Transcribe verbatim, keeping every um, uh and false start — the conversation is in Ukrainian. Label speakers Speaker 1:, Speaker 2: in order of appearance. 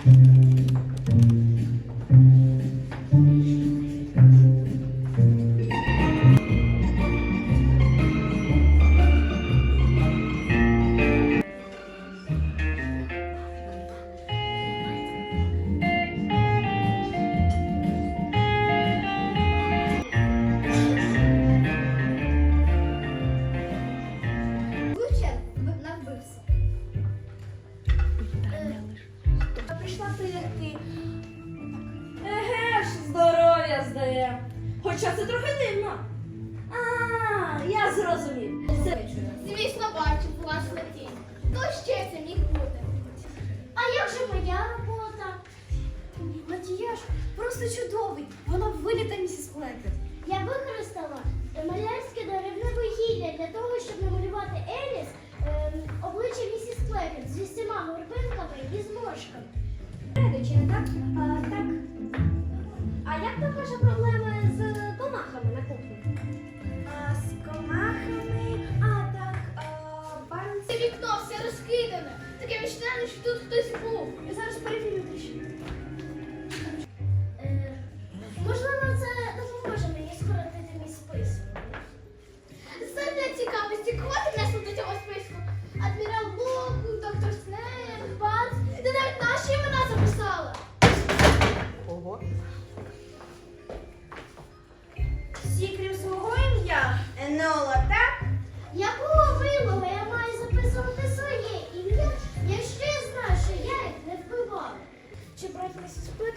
Speaker 1: Хоча це трохи дивно. А, я зрозумів. Це...
Speaker 2: Звісно, бачу власне тінь. То ще це міг бути. А як же моя робота?
Speaker 3: Макіяж просто чудовий. Вона виліта місіс Клемпет.
Speaker 2: Я використала малярське деревне вугілля для того, щоб намалювати Еліс е, обличчя місіс Клемпет зі всіма горбинками і зморшками.
Speaker 3: Чи не так? А, так. А як там ваша проблема з комахами на кухні?
Speaker 1: А, з комахами, а так, а, барн...
Speaker 2: Це вікно все розкидане. Таке відчуття, що тут хтось був.
Speaker 3: Я зараз перевірю дещо.
Speaker 2: Е, можливо, це допоможе мені скоротити мій список. Задля цікавості, кого ти внесла до цього списку? Адмірал Блок, доктор Снейп, Бац. Ти навіть наші імена записала.
Speaker 1: Ого.
Speaker 3: Всі, крім свого ім'я?
Speaker 1: Енола, так?
Speaker 2: Якого вимога я маю записувати своє ім'я, якщо я знаю, що я їх не вбивала?
Speaker 3: Чи брати місіс Клемпет